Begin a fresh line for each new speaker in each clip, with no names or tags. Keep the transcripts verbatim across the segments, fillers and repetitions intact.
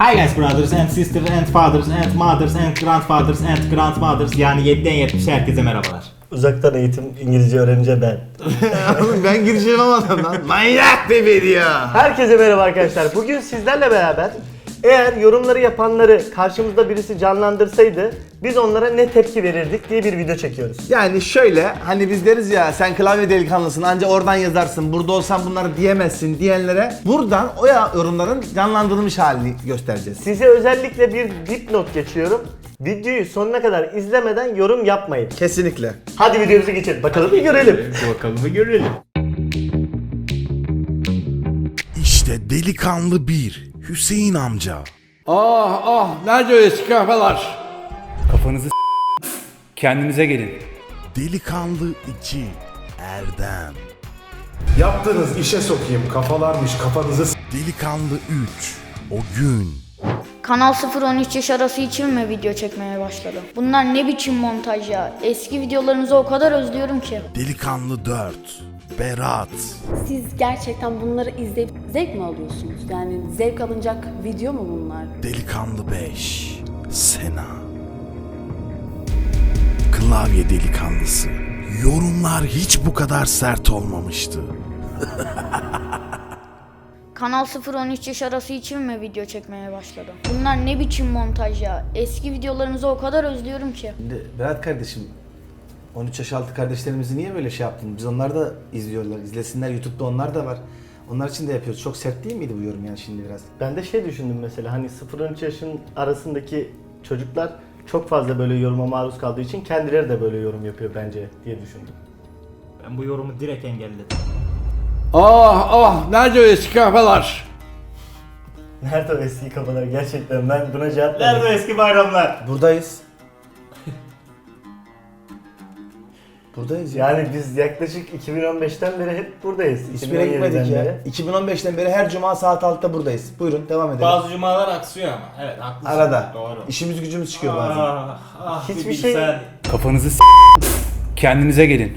Hi guys, brothers and sisters and fathers and mothers and grandfathers and grandmothers, yani yediden yetmişe herkese merhabalar.
Uzaktan eğitim İngilizce öğrenince ben.
Oğlum ben giriş yapamadım lan. Manyak bir video.
Herkese merhaba arkadaşlar. Bugün sizlerle beraber eğer yorumları yapanları karşımızda birisi canlandırsaydı biz onlara ne tepki verirdik diye bir video çekiyoruz.
Yani şöyle hani biz deriz ya sen klavye delikanlısın anca oradan yazarsın burada olsan bunları diyemezsin diyenlere buradan o ya yorumların canlandırılmış halini göstereceğiz.
Size özellikle bir dipnot geçiyorum. Videoyu sonuna kadar izlemeden yorum yapmayın.
Kesinlikle.
Hadi videomuza geçelim. Bakalım bir görelim.
Bakalım bir görelim.
İşte delikanlı bir Hüseyin amca.
Ah ah nerede o eski kafalar?
Kafanızı s- kendinize gelin.
Delikanlı iki Erdem.
Yaptığınız işe sokayım kafalarmış kafanızı s-
Delikanlı üç O gün.
Kanal sıfır on üç yaş arası için mi video çekmeye başladım? Bunlar ne biçim montaj ya? Eski videolarınızı o kadar özlüyorum ki.
Delikanlı dört Berat.
Siz gerçekten bunları izleyip zevk mi alıyorsunuz? Yani zevk alınacak video mu bunlar?
Delikanlı beş Sena. Klavye delikanlısı. Yorumlar hiç bu kadar sert olmamıştı.
Kanal sıfır on üç yaş arası için mi video çekmeye başladım? Bunlar ne biçim montaj ya? Eski videolarınızı o kadar özlüyorum ki.
Şimdi Berat kardeşim on üç yaş altı kardeşlerimizi niye böyle şey yaptın? Biz onlar da izliyorlar, izlesinler, YouTube'da onlar da var. Onlar için de yapıyoruz. Çok sert değil miydi bu yorum yani şimdi biraz?
Ben de şey düşündüm mesela hani sıfır on üç yaşın arasındaki çocuklar çok fazla böyle yoruma maruz kaldığı için kendileri de böyle yorum yapıyor bence diye düşündüm.
Ben bu yorumu direkt engelledim.
Ah ah nerede o eski kafalar?
Nerede o eski kafalar gerçekten ben buna cevap
Nerede
verdim.
eski bayramlar?
Buradayız. Buradayız ya.
Yani biz yaklaşık iki bin on beşten beri hep buradayız.
Hiçbir yere gitmedik ya. iki bin on beşten beri her cuma saat altıda buradayız. Buyurun devam edelim.
Bazı cumalar aksıyor ama. Evet haklısın.
Arada.
Doğru.
İşimiz gücümüz çıkıyor bazen.
Ah, ah,
Hiçbir
bir
şey-
bilsen.
Kafanızı s- kendinize gelin.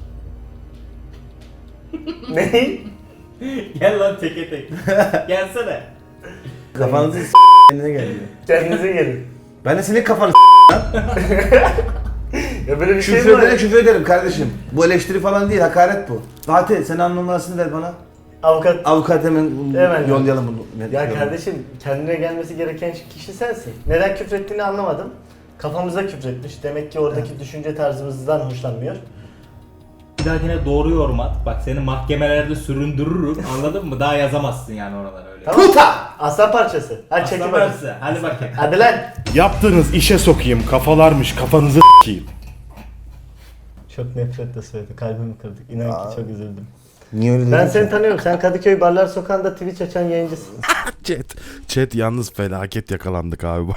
Ne?
Gel lan teke tek. Gelsene.
Kafanızı s*** kendine geliyor.
Kendinize gelin.
Ben de senin kafanı
Ya böyle bir şey
küfür
mi var?
ederim küfür ederim kardeşim. Bu eleştiri falan değil hakaret bu. Fatih sen an numarasını ver bana.
Avukat.
Avukat hemen,
Hemen.
yollayalım bunu.
Ya kardeşim kendine gelmesi gereken kişi sensin. Neden küfrettiğini anlamadım. Kafamıza küfretmiş. Demek ki oradaki düşünce tarzımızdan hoşlanmıyor.
Bir dahakine doğru yorum at. Bak seni mahkemelerde süründürürüm. Anladın mı? Daha yazamazsın yani oralar öyle.
Tamam. Puta! Aslan parçası. Hadi çekin
Aslan
bakayım.
parçası. Hadi bakayım.
Hadi lan.
Yaptığınız işe sokayım kafalarmış kafanızı s**eyim.
Çok nefretle söyledi. Kalbimi kırdık. İnan ki çok üzüldüm.
Niye öyle dedin
Ben
ki?
seni tanıyorum. Sen Kadıköy Barlar Sokağı'nda Twitch açan yayıncısın.
Chat. Chat yalnız felaket yakalandık abi.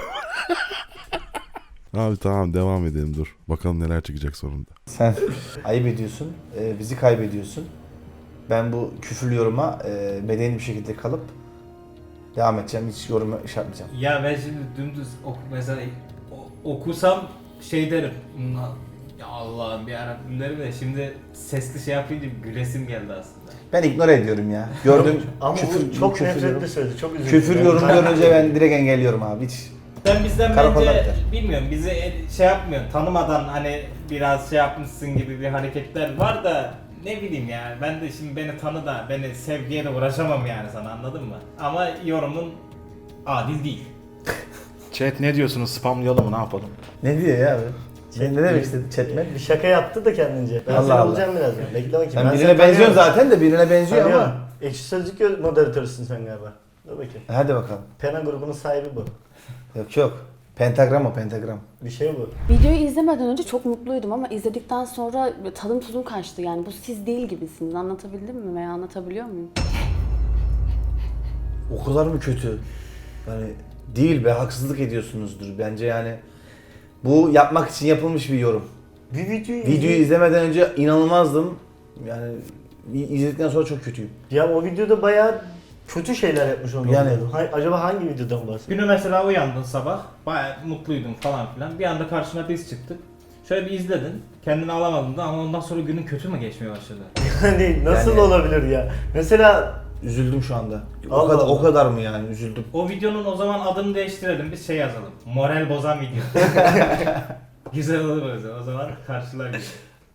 Abi tamam devam edelim dur. Bakalım neler çıkacak sonunda.
Sen ayıp ediyorsun, e, bizi kaybediyorsun. Ben bu küfürlü yoruma e, medeni bir şekilde kalıp devam edeceğim. Hiç yorum iş yapmayacağım.
Ya ben şimdi dümdüz oku, mesela o- okusam şey derim. "Hmm, Ya Allah'ım bir Rabbim derim de şimdi sesli şey yapınca gülesim geldi aslında.
Ben ignore ediyorum ya. Gördüm
Ama
küfür,
bu çok
küfür
nefretle
yorum.
söyledi. Çok üzüldüm.
Küfür
Yani
yorum
ben-
görünce ben direkt engelliyorum abi. Hiç.
Sen bizden
Karakola
bence
biter.
bilmiyorum bizi el- şey yapmıyorsun tanımadan hani biraz şey yapmışsın gibi bir hareketler var da ne bileyim ya ben de şimdi beni tanı da beni sevgiye de uğraşamam yani sana anladın mı? Ama yorumun adil değil.
Chat ne diyorsunuz spamlayalım mı ne yapalım?
Ne diyor ya abi? Sen ne demek istedin chatme?
Bir şaka yaptı da kendince. Ben
Allah
seni
Allah.
alacağım birazdan. Bekle bakayım.
Sen
Ben
birine
seni
benziyorsun
tanıyorum.
zaten de birine benziyor
Tanıyorum.
ama.
Ekşi Sözlük moderatörüsün sen galiba. Dur bakayım.
Hadi bakalım.
Pena grubunun sahibi bu.
Yok yok. Pentagram o pentagram.
Bir şey bu.
Videoyu izlemeden önce çok mutluydum ama izledikten sonra tadım tuzum kaçtı. Yani bu siz değil gibisiniz. Anlatabildim mi veya anlatabiliyor muyum?
O kadar mı kötü? Yani değil be haksızlık ediyorsunuzdur bence yani. Bu yapmak için yapılmış bir yorum.
Bir videoyu
Videoyu izlemeden önce inanılmazdım. Yani izledikten sonra çok kötüyüm.
Ya o videoda bayağı kötü şeyler yapmış onu.
Yani-
Ha- acaba hangi videodan bahsediyor?
Günü mesela uyandın sabah bayağı mutluydun falan filan bir anda karşına biz çıktık. Şöyle bir izledin kendini alamadın da ama ondan sonra günün kötü mü geçmeye başladı?
Hani nasıl
Yani-
olabilir ya? Mesela
Üzüldüm şu anda. O
Allah
kadar
Allah.
o kadar mı yani üzüldüm.
O videonun o zaman adını değiştirelim. Biz şey yazalım. Moral bozan video. Güzel olur o zaman. O zaman karşılar gibi.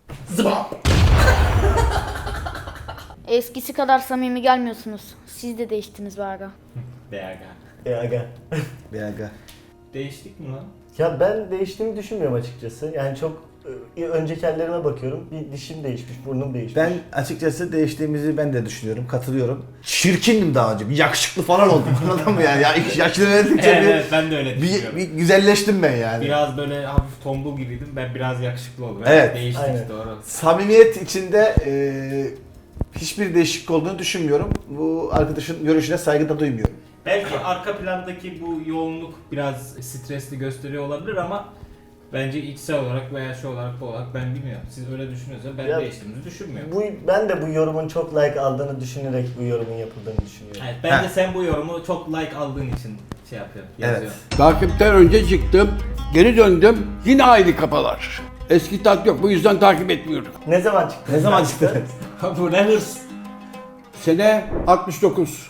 Eskisi kadar samimi gelmiyorsunuz. Siz de değiştiniz be aga.
Be aga.
E aga.
Bir aga.
Değiştik mi lan?
Ya ben değiştiğimi düşünmüyorum açıkçası. Yani çok e, önceki hallerime bakıyorum. Bir dişim değişmiş, burnum değişmiş.
Ben açıkçası değiştiğimizi ben de düşünüyorum, katılıyorum. Çirkindim daha önce, bir yakışıklı falan oldum anladın mı yani? Ya yaşlı verdikçe
Evet,
bir,
evet ben de öyle
bir,
düşünüyorum.
bir güzelleştim ben yani.
Biraz böyle hafif tombul gibiydim. Ben biraz yakışıklı oldum.
Evet.
Değiştik
Aynen.
doğru.
Samimiyet içinde e, hiçbir değişiklik olduğunu düşünmüyorum. Bu arkadaşın görüşüne saygı da duymuyorum.
Belki arka plandaki bu yoğunluk biraz stresli gösteriyor olabilir ama bence içsel olarak veya şey olarak bu olarak ben bilmiyorum. Siz öyle düşünüyorsanız ben
Ya,
değiştiğimizi düşünmüyorum.
Bu, ben de bu yorumun çok like aldığını düşünerek bu yorumun yapıldığını düşünüyorum.
Evet, bence
Heh.
sen bu yorumu çok like aldığın için şey yapıyorsun,
Evet.
yazıyorsun.
Takipten önce çıktım. Geri döndüm. Yine aynı kafalar. Eski tat yok. Bu yüzden takip etmiyorum.
Ne zaman çıktı?
Ne zaman çıktı?
Bu ne hırs?
Sene altmış dokuz.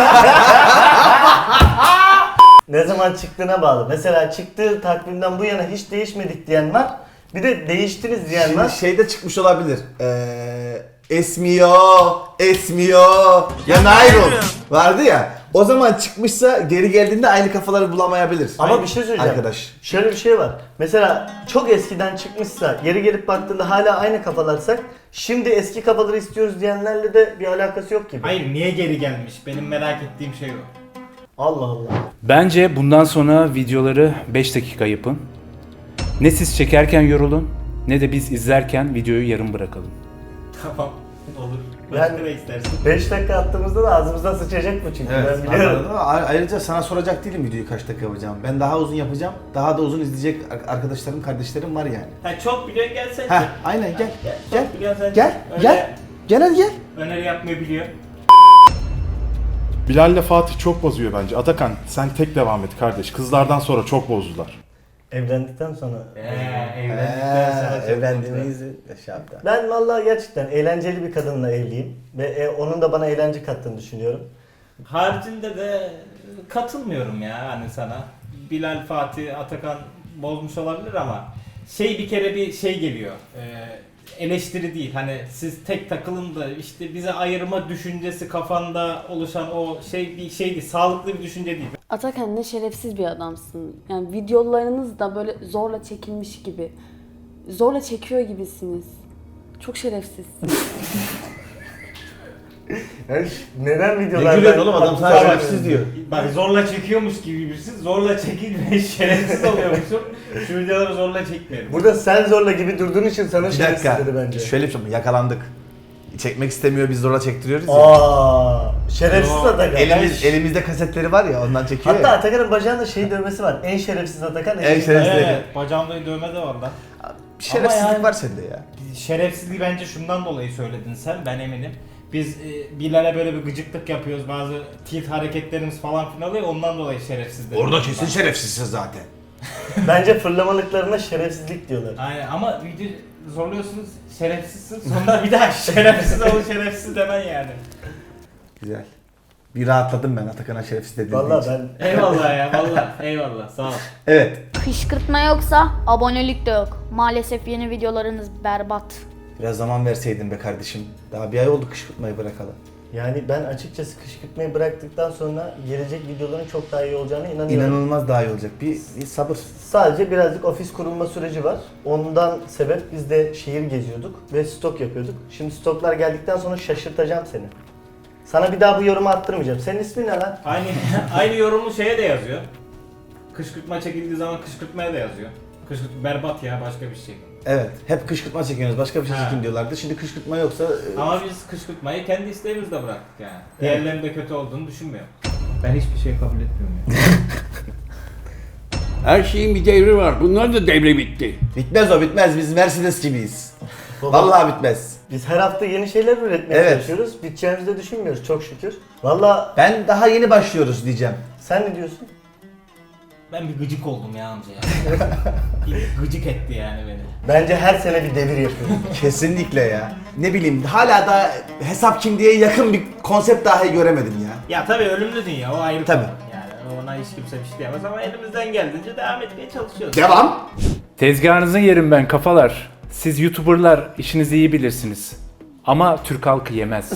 Ne zaman çıktığına bağlı. Mesela çıktığı takvimden bu yana hiç değişmedik diyen var. Bir de değiştiniz diyen
Şimdi
var.
şeyde çıkmış olabilir. Ee, esmiyor, esmiyor. Ya Nayrol vardı ya. O zaman çıkmışsa geri geldiğinde aynı kafaları bulamayabilir.
Ama bir şey söyleyeceğim.
Arkadaş.
Şöyle bir şey var. Mesela çok eskiden çıkmışsa, geri gelip baktığında hala aynı kafalarsak, şimdi eski kafaları istiyoruz diyenlerle de bir alakası yok gibi.
Hayır, niye geri gelmiş? Benim merak ettiğim şey o.
Allah Allah.
Bence bundan sonra videoları beş dakika yapın. Ne siz çekerken yorulun ne de biz izlerken videoyu yarım bırakalım.
Tamam, olur. Başka
Yani-
ne istersin?
beş dakika attığımızda da ağzımızdan sıçacak bu çünkü
Evet,
ben biliyorum.
anladın mı? A- Ayrıca sana soracak değilim videoyu kaç dakika yapacağım. Ben daha uzun yapacağım. Daha da uzun izleyecek ar- arkadaşlarım, kardeşlerim var yani.
Ha, çok biliyorsun gel sen.
Heh,
çek.
aynen gel.
Gel,
Gel.
çok biliyorsun sen.
Gel.
Öyle
Gel. Gel hadi gel.
Öneri yapmayı biliyor.
Bilal ile Fatih çok bozuyor bence. Atakan sen tek devam et kardeş. Kızlardan sonra çok bozdular.
Evlendikten sonra.
Eee evlendikten sonra
Ee,
çok
evlendiğimizi şey yaptı.
Ben vallahi gerçekten eğlenceli bir kadınla evliyim. Ve e, onun da bana eğlence kattığını düşünüyorum.
Haricinde de katılmıyorum ya hani sana. Bilal, Fatih, Atakan bozmuş olabilir ama şey bir kere bir şey geliyor. Ee, eleştiri değil. Hani siz tek takılın da işte bize ayırma düşüncesi kafanda oluşan o şey bir şey değil. Sağlıklı bir düşünce değil.
Atakan ne şerefsiz bir adamsın. Yani videolarınız da böyle zorla çekilmiş gibi. Zorla çekiyor gibisiniz. Çok şerefsizsiniz.
Yani neden
Ne
videolarda...
gülüyorsun oğlum, adam sana şerefsiz diyor.
Bak zorla çekiyormuş gibi birisi. Zorla çekilmeyen şerefsiz oluyormuşum. Şu videoları zorla çekmeyelim.
Burada sen zorla gibi durduğun için sana
Bir
şerefsiz
dakika.
dedi bence.
Şöyle bir şey, yakalandık. Çekmek istemiyor, biz zorla çektiriyoruz ya.
Aa, şerefsiz
Yo,
Atakan.
Elimiz, elimizde kasetleri var ya, ondan çekiyor
Hatta
ya.
Atakan'ın bacağında şey dövmesi var. En şerefsiz Atakan.
En şerefsiz.
Evet, bacağımda dövme de var lan.
Bir şerefsizlik
Ama yani-
var sende ya.
Şerefsizliği bence şundan dolayı söyledin sen, ben eminim. Biz e, Bilal'e böyle bir gıcıklık yapıyoruz, bazı tilt hareketlerimiz falan filan oluyor, ondan dolayı şerefsiz dedim.
Orada kesin şerefsizsin zaten.
Bence fırlamalıklarına şerefsizlik diyorlar.
Aynen ama video zorluyorsunuz, şerefsizsin, sonra bir daha şerefsiz ol, şerefsiz demen yani.
Güzel. Bir rahatladım ben Atakan'a şerefsiz dediğin
Vallahi
için.
ben...
Eyvallah ya, vallahi eyvallah, sağ ol.
Evet.
Kışkırtma yoksa abonelik de yok. Maalesef yeni videolarınız berbat.
Biraz zaman verseydin be kardeşim. Daha bir ay oldu kışkırtmayı bırakalı.
Yani ben açıkçası kışkırtmayı bıraktıktan sonra gelecek videoların çok daha iyi olacağına inanıyorum.
İnanılmaz daha iyi olacak. Bir, bir sabır.
Sadece birazcık ofis kurulma süreci var. Ondan sebep biz de şehir geziyorduk ve stok yapıyorduk. Şimdi stoklar geldikten sonra şaşırtacağım seni. Sana bir daha bu yorumu attırmayacağım. Senin ismin ne lan?
Aynı aynı yorumu şeye de yazıyor. Kışkırtma çekildiği zaman kışkırtmaya da yazıyor. Kışkırtma berbat ya, başka bir şey.
Evet. Hep kışkırtma çekiyorsunuz. Başka bir şey
Ha.
çekin diyorlardı. Şimdi kışkırtma yoksa... e,
Ama biz kışkırtmayı kendi isteğimizle bıraktık yani. Diğerlerinin de kötü olduğunu düşünmüyorum. Ben hiçbir şey kabul etmiyorum yani.
Her şeyin bir devri var. Bunlar da devre bitti.
Bitmez o bitmez. Biz Mercedes gibiyiz.
Baba,
Vallahi bitmez.
Biz her hafta yeni şeyler üretmeye
Evet.
çalışıyoruz. Biteceğimizi de düşünmüyoruz çok şükür. Valla
Ben daha yeni başlıyoruz diyeceğim.
sen ne diyorsun?
Ben bir gıcık oldum ya amca ya. Bir gıcık etti yani beni.
Bence her sene bir devir yapıyor.
Kesinlikle ya. Ne bileyim hala da hesap kimliğe yakın bir konsept dahi göremedim ya.
Ya tabii ölümlü dünya o ayrı
Tabii.
konu. Yani ona hiç kimse bir şey diyemez ama elimizden geldiğince devam etmeye çalışıyoruz.
Devam.
Tezgahınızı yerim ben kafalar. Siz YouTuber'lar işinizi iyi bilirsiniz. Ama Türk halkı yemez.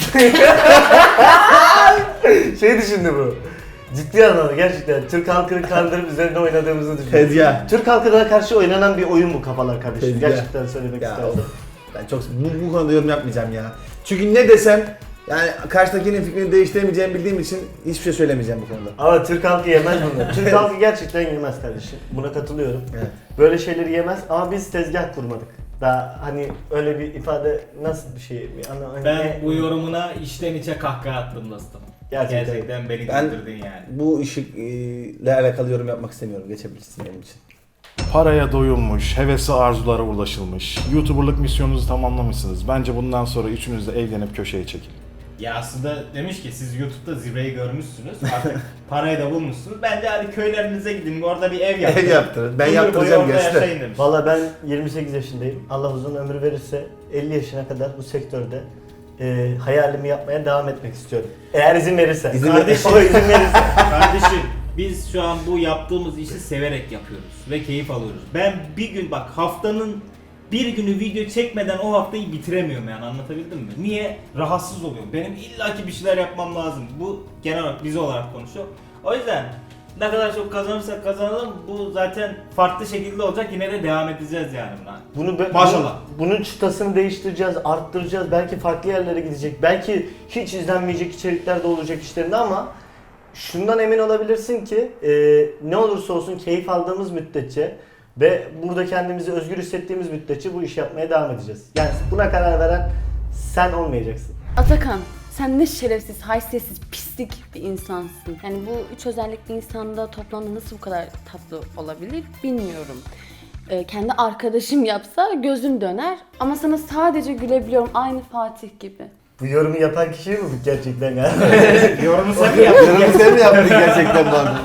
Şey düşündü bu. Ciddi anlamda gerçekten Türk halkını kandırıp üzerine oynadığımızı düşünüyorum.
Tezgah.
Türk halkına karşı oynanan bir oyun bu kafalar kardeşim.
Tezgah.
Gerçekten söylemek
Ya
istedim.
of. Ben çok bu, bu konuda yorum yapmayacağım ya. Çünkü ne desem yani karşıdakinin fikrini değiştiremeyeceğimi bildiğim için hiçbir şey söylemeyeceğim bu konuda.
Ama Türk halkı yemez bunu. Türk halkı gerçekten yemez kardeşim. Buna katılıyorum.
Evet.
Böyle şeyleri yemez ama biz tezgah kurmadık. Daha hani öyle bir ifade nasıl bir şey? Bir ana, hani
Ben
ne-
bu yorumuna içten içe kahkaha attım dostum.
Gerçekten.
Gerçekten beni
Ben
güldürdün yani.
bu işi e, ile alakalı yorum yapmak istemiyorum. Geçebilirsin benim için.
Paraya doyulmuş, hevesi arzulara ulaşılmış. YouTuber'lık misyonunuzu tamamlamışsınız. Bence bundan sonra üçünüz de evlenip köşeye çekin.
Ya aslında demiş ki siz YouTube'da zirveyi görmüşsünüz. Artık parayı da bulmuşsunuz. Bence hadi köylerinize gidin. Orada bir ev yaptırın.
Ev yaptırın. Ben
Ömür boyu
yaptıracağım
orada
gerçekten.
yaşayın demiş.
Valla ben yirmi sekiz yaşındayım. Allah uzun ömür verirse elli yaşına kadar bu sektörde e, hayalimi yapmaya devam etmek istiyorum. Eğer izin verirse.
İzin
Kardeşim
ver-
o izin verirse.
Kardeşim biz şu an bu yaptığımız işi severek yapıyoruz ve keyif alıyoruz. Ben bir gün bak haftanın bir günü video çekmeden o haftayı bitiremiyorum yani anlatabildim mi? Niye? Rahatsız oluyorum. Benim illaki bir şeyler yapmam lazım. Bu genel olarak biz olarak konuşuyor. O yüzden ne kadar çok kazanırsak kazanalım bu zaten farklı şekilde olacak yine de devam edeceğiz yani buna.
Bunu be-
Maşallah.
Bunun, bunun çıtasını değiştireceğiz, arttıracağız. Belki farklı yerlere gidecek. Belki hiç izlenmeyecek içerikler de olacak işlerinde ama şundan emin olabilirsin ki e, ne olursa olsun keyif aldığımız müddetçe ve burada kendimizi özgür hissettiğimiz müddetçe bu işi yapmaya devam edeceğiz. Yani buna karar veren sen olmayacaksın.
Atakan, sen ne şerefsiz, haysiyetsiz, pislik bir insansın. Yani bu üç özellik bir insanda toplamda nasıl bu kadar tatlı olabilir bilmiyorum. Ee, kendi arkadaşım yapsa gözüm döner ama sana sadece gülebiliyorum aynı Fatih gibi.
Bu yorumu yapan kişi mi bu gerçekten ya?
Yorumu sen mi yaptın?
Yorumu sen mi yaptın gerçekten bu arada?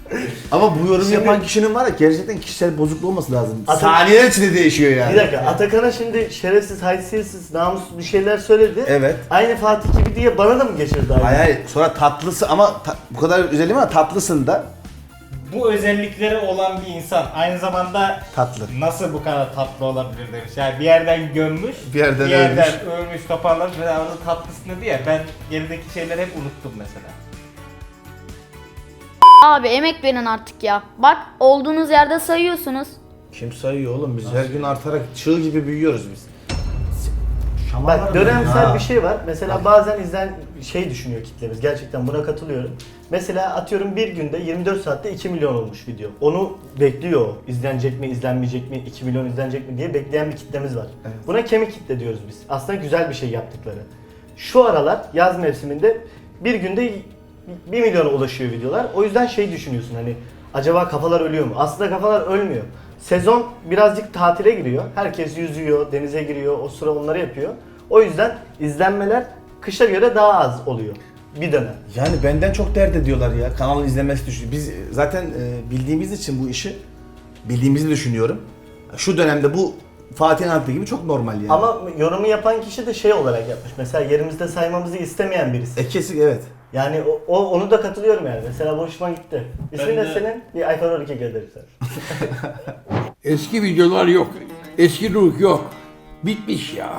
Ama bu yorum
Şimdi-
yapan kişinin var ya gerçekten kişisel bozukluğu olması lazım.
Atak-
Saniyeler içinde değişiyor yani.
Bir dakika, Atakan'a şimdi şerefsiz, haysiyetsiz, namussuz bir şeyler söyledi.
Evet.
Aynı Fatih gibi diye bana da mı geçirdi aynı?
Hayır hayır sonra tatlısı ama ta- bu kadar özelliğim ama tatlısın da
Bu özellikleri olan bir insan aynı zamanda
tatlı.
nasıl bu kadar tatlı olabilir demiş. Yani bir yerden gömmüş,
Bir yerden
ölmüş, toparlamış ve orada tatlısını diye. Ben gerideki şeyleri hep unuttum mesela.
Abi emek verin artık ya. Bak olduğunuz yerde sayıyorsunuz.
Kim sayıyor oğlum biz her gün artarak çığ gibi büyüyoruz biz.
Bak dönemsel
Ha.
bir şey var. Mesela bazen izlen şey düşünüyor kitlemiz. Gerçekten buna katılıyorum. Mesela atıyorum bir günde yirmi dört saatte iki milyon olmuş video. Onu bekliyor. o. İzlenecek mi, izlenmeyecek mi, iki milyon izlenecek mi diye bekleyen bir kitlemiz var.
Evet.
Buna kemik kitle diyoruz biz. Aslında güzel bir şey yaptıkları. Şu aralar yaz mevsiminde bir günde bir milyona ulaşıyor videolar. O yüzden şey düşünüyorsun hani acaba kafalar ölüyor mu? Aslında kafalar ölmüyor. Sezon birazcık tatile giriyor. Herkes yüzüyor, denize giriyor, o sıra onları yapıyor. O yüzden izlenmeler kışa göre daha az oluyor. Bir dönem.
Yani benden çok dert ediyorlar ya kanalın izlenmesi düşüyor. Biz zaten e, bildiğimiz için bu işi bildiğimizi düşünüyorum. Şu dönemde bu Fatih'in anlattığı gibi çok normal yani.
Ama yorumu yapan kişi de şey olarak yapmış. Mesela yerimizde saymamızı istemeyen birisi.
E kesin evet.
Yani o, o- onu da katılıyorum yani. Mesela hoşuma gitti. İsmin
Ben
ne
de-
senin? Bir iPhone on iki gönderirsen.
Eski videolar yok. Eski ruh yok. Bitmiş ya.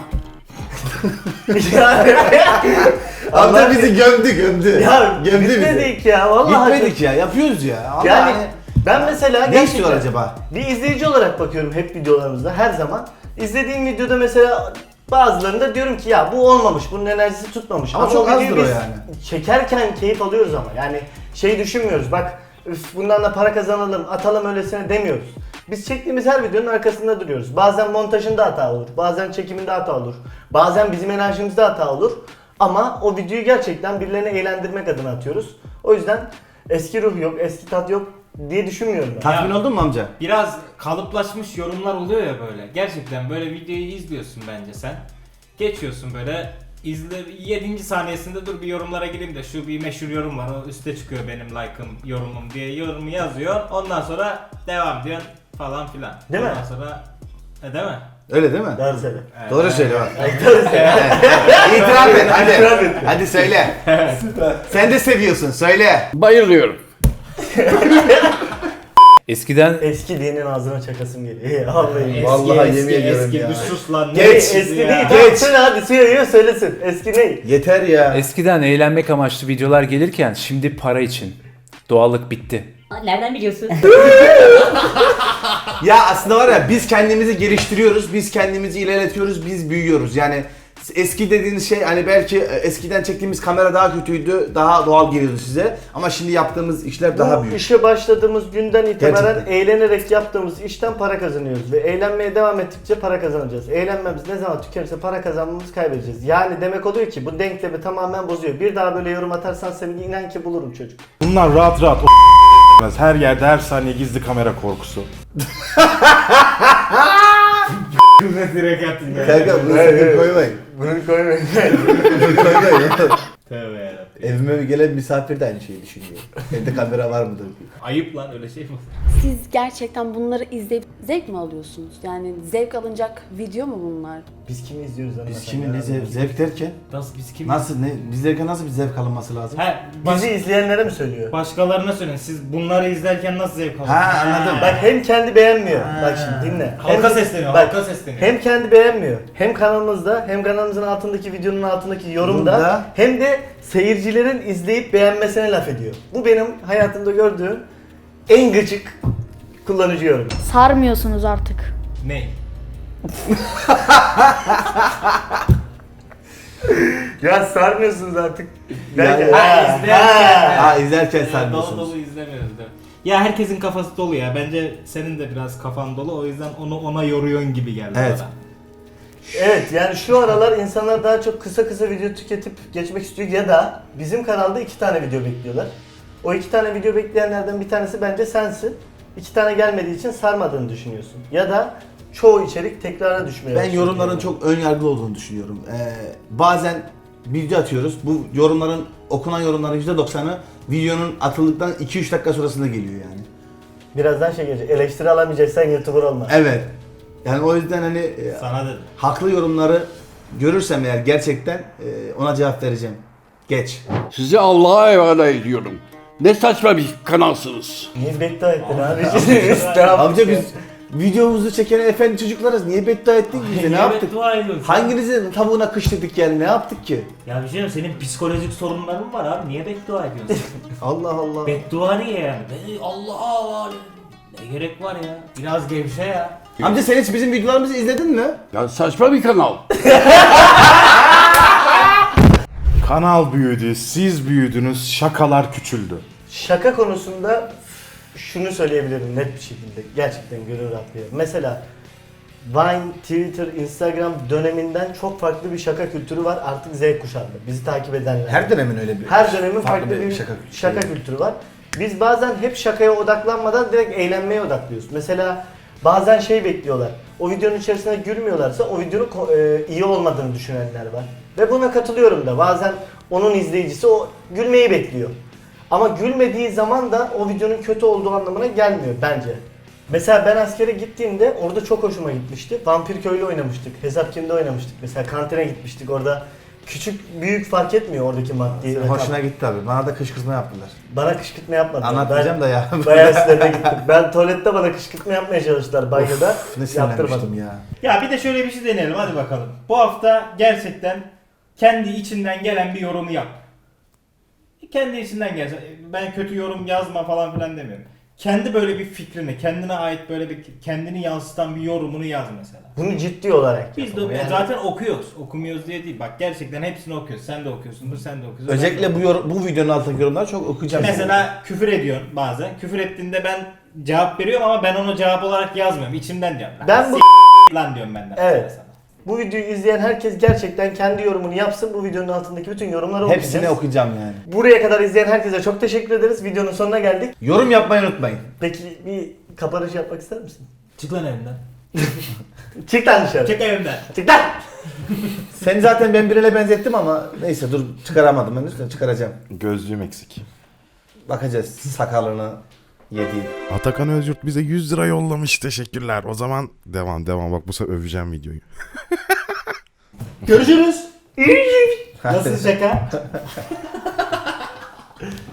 Amca bizi gömdü gömdü.
ya
gömdü bizi.
bitmedik ya. Vallahi
Gitmedik ya yapıyoruz ya. Allah
Yani
hani-
ben mesela
Ne
gerçekten
istiyor acaba?
bir izleyici olarak bakıyorum hep videolarımızda her zaman. İzlediğim videoda mesela bazılarında diyorum ki ya bu olmamış, bunun enerjisi tutmamış.
Ama çok
o videoyu
azdır o
biz
yani.
çekerken keyif alıyoruz ama yani şey düşünmüyoruz bak üf bundan da para kazanalım, atalım öylesine demiyoruz. Biz çektiğimiz her videonun arkasında duruyoruz. Bazen montajında hata olur, bazen çekiminde hata olur, bazen bizim enerjimizde hata olur. Ama o videoyu gerçekten birilerini eğlendirmek adına atıyoruz. O yüzden eski ruh yok, eski tat yok diye düşünmüyorum ben.
Tatmin
Ya-
oldun mu amca?
Biraz kalıplaşmış yorumlar oluyor ya böyle. Gerçekten böyle videoyu izliyorsun bence sen. Geçiyorsun böyle İzle yedinci saniyesinde dur bir yorumlara gireyim de şu bir meşhur yorum var. O üstte çıkıyor benim like'ım, yorumum diye yorumu yazıyor. Ondan sonra devam diyorsun falan filan.
Değil mi?
Ondan sonra e, değil mi?
Öyle değil mi?
Doğru söyle.
Doğru söyle bak.
Doğru söyle.
İtiraf et hadi.
İtiraf et.
Hadi söyle. Sen de seviyorsun söyle.
Bayılıyorum.
Eskiden
Eski dinin ağzına çakasım geliyor. Vallahi.
Eski,
Vallahi
eski,
yemin ediyorum
eski,
ya.
bir sus lan. ne
Geç.
eski
Eski
ya?
değil.
Geç.
Geç. Hadi söylüyor söylesin. Eski ne?
Yeter ya.
eskiden eğlenmek amaçlı videolar gelirken şimdi para için. Doğallık bitti.
Nereden biliyorsun?
Ya aslında var ya biz kendimizi geliştiriyoruz, biz kendimizi ilerletiyoruz, biz büyüyoruz. Yani eski dediğiniz şey hani belki eskiden çektiğimiz kamera daha kötüydü, daha doğal geliyordu size. Ama şimdi yaptığımız işler daha
Bu
büyük.
işe başladığımız günden itibaren
Gerçekten.
eğlenerek yaptığımız işten para kazanıyoruz ve eğlenmeye devam ettikçe para kazanacağız. Eğlenmemiz ne zaman tükenirse para kazanmamızı kaybedeceğiz. Yani demek oluyor ki bu denklemi tamamen bozuyor. Bir daha böyle yorum atarsan seni inan ki bulurum çocuk.
Bunlar rahat rahat o her yerde her saniye gizli kamera korkusu.
Direkt attın ya.
Kanka bunu sakın koymayın.
Bunu koymayın.
Bunu koymayın.
Tövbe yarabbim.
Evime bir gelen misafir de aynı şeyi düşünüyor. Evde kamera var mıdır diye.
Ayıp lan öyle şey mi?
Siz gerçekten bunları izleyip zevk mi alıyorsunuz? Yani zevk alınacak video mu bunlar?
Biz kimi izliyoruz anlatan?
Biz şimdi ne zevk, zevk derken?
Nasıl biz kim?
Nasıl ne? Bizlerken nasıl bir zevk alınması lazım?
He, baş,
Bizi izleyenlere mi söylüyor?
başkalarına söyleyin. Siz bunları izlerken nasıl zevk alıyorsunuz?
Ha, anladım.
Bak hem kendi beğenmiyor.
Ha.
Bak şimdi dinle.
Halka
Hem-
sesleniyor,
bak,
halka sesleniyor.
Hem kendi beğenmiyor. Hem kanalımızda hem kanalımızın altındaki videonun altındaki yorumda
Burada.
hem de seyircilerin izleyip beğenmesine laf ediyor. Bu benim hayatımda gördüğüm en gıcık kullanıcı yorum.
Sarmıyorsunuz artık.
Ne?
Ya sarmıyorsunuz artık.
Yani-
Ha, izlerken.
Ha izlerken
Ya, dolu
sarmıyorsunuz.
dolu izlemiyoruz değil mi? Ya herkesin kafası dolu ya. Bence senin de biraz kafan dolu. O yüzden onu ona yoruyorsun gibi geldi
Evet.
bana.
Evet yani şu aralar insanlar daha çok kısa kısa video tüketip geçmek istiyor ya da bizim kanalda iki tane video bekliyorlar. O iki tane video bekleyenlerden bir tanesi bence sensin. İki tane gelmediği için sarmadığını düşünüyorsun. Ya da çoğu içerik tekrara düşmeye
Ben
başlıyor.
yorumların çok ön yargılı olduğunu düşünüyorum. Ee, bazen video atıyoruz. Bu yorumların, okunan yorumların yüzde doksanı videonun atıldıktan iki üç dakika sonrasında geliyor yani.
Birazdan şey gelecek. Eleştiri alamayacaksan YouTuber olma.
Evet. Yani o yüzden hani e,
Sana dedim.
haklı yorumları görürsem eğer gerçekten e, ona cevap vereceğim. Geç.
Sizi Allah'a emanet ediyorum. Ne saçma bir kanalsınız.
Niye beddua ettin abi?
Amca biz videomuzu çeken efendi çocuklarız. Niye beddua ettik bize? Ne yaptık?
Beddua ediyorsun.
Hanginizin tavuğuna kıştırdık yani? Ne yaptık ki?
Ya bir şey diyeyim, senin psikolojik sorunların var abi. Niye beddua ediyorsun?
Allah Allah.
Beddua niye yani? Be- Allah Allah. Ne gerek var ya? Biraz gevşe ya.
Amca sen hiç bizim videolarımızı izledin mi?
Ya saçma bir kanal.
Kanal büyüdü, siz büyüdünüz, şakalar küçüldü.
Şaka konusunda şunu söyleyebilirim net bir şekilde. Gerçekten gönül rahatlıyor. Mesela Vine, Twitter, Instagram döneminden çok farklı bir şaka kültürü var artık Z kuşağında. Bizi takip edenler.
Her dönemin öyle bir.
Her dönemin farklı, bir şaka,
şaka,
kültürü var. Biz bazen hep şakaya odaklanmadan direkt eğlenmeye odaklıyoruz. Mesela bazen şey bekliyorlar. O videonun içerisinde gülmüyorlarsa o videonun ko- e, iyi olmadığını düşünenler var. Ve buna katılıyorum da. Bazen onun izleyicisi o gülmeyi bekliyor. Ama gülmediği zaman da o videonun kötü olduğu anlamına gelmiyor bence. Mesela ben askere gittiğimde orada çok hoşuma gitmişti. Vampir Köylü oynamıştık. Hesap Kim'de oynamıştık. Mesela kantine gitmiştik orada. Küçük büyük fark etmiyor oradaki maddi rakam.
Hoşuna gitti abi. Bana da kışkırtma yaptılar.
Bana kışkırtma yapmadılar.
Anlatmayacağım
Ben
da ya.
Bayağı sinirine gittim. Ben tuvalette bana kışkırtma yapmaya çalıştılar banyoda.
Ne sinirlenmiştim
Yaptırmadım.
ya.
Ya bir de şöyle bir şey deneyelim hadi bakalım. Bu hafta gerçekten kendi içinden gelen bir yorumu yap. Kendi içinden gelsin. Ben kötü yorum yazma falan filan demiyorum. Kendi böyle bir fikrini, kendine ait böyle bir kendini yansıtan bir yorumunu yaz mesela.
Bunu ciddi olarak
Biz de
yapalım. Yani
zaten okuyoruz. Okumuyoruz diye değil. Bak gerçekten hepsini okuyoruz. Sen de okuyorsundur, sen de okuyorsun.
Özellikle bu yor- bu videonun altındaki yorumları çok okuyacağım.
Mesela küfür ediyorsun bazen. Küfür ettiğinde ben cevap veriyorum ama ben onu cevap olarak yazmıyorum. İçimden diyorum.
Ben bu-
S- lan diyorum benden.
Evet.
mesela sana.
bu videoyu izleyen herkes gerçekten kendi yorumunu yapsın. Bu videonun altındaki bütün yorumları okuyacağız.
Hepsini okuyacağım yani.
Buraya kadar izleyen herkese çok teşekkür ederiz. Videonun sonuna geldik.
Yorum yapmayı unutmayın.
Peki bir kapanış yapmak ister misin?
Çık lan evinden.
Çık lan dışarı.
Çık evimden.
Çık lan.
Seni zaten ben birine benzettim ama neyse dur çıkaramadım henüz de çıkaracağım.
Gözlüğüm eksik.
Bakacağız sakalını yediğin.
Atakan Özyurt bize yüz lira yollamış. Teşekkürler. O zaman devam devam. Bak bu sefer öveceğim videoyu.
Görüşürüz.
Nasıl şaka?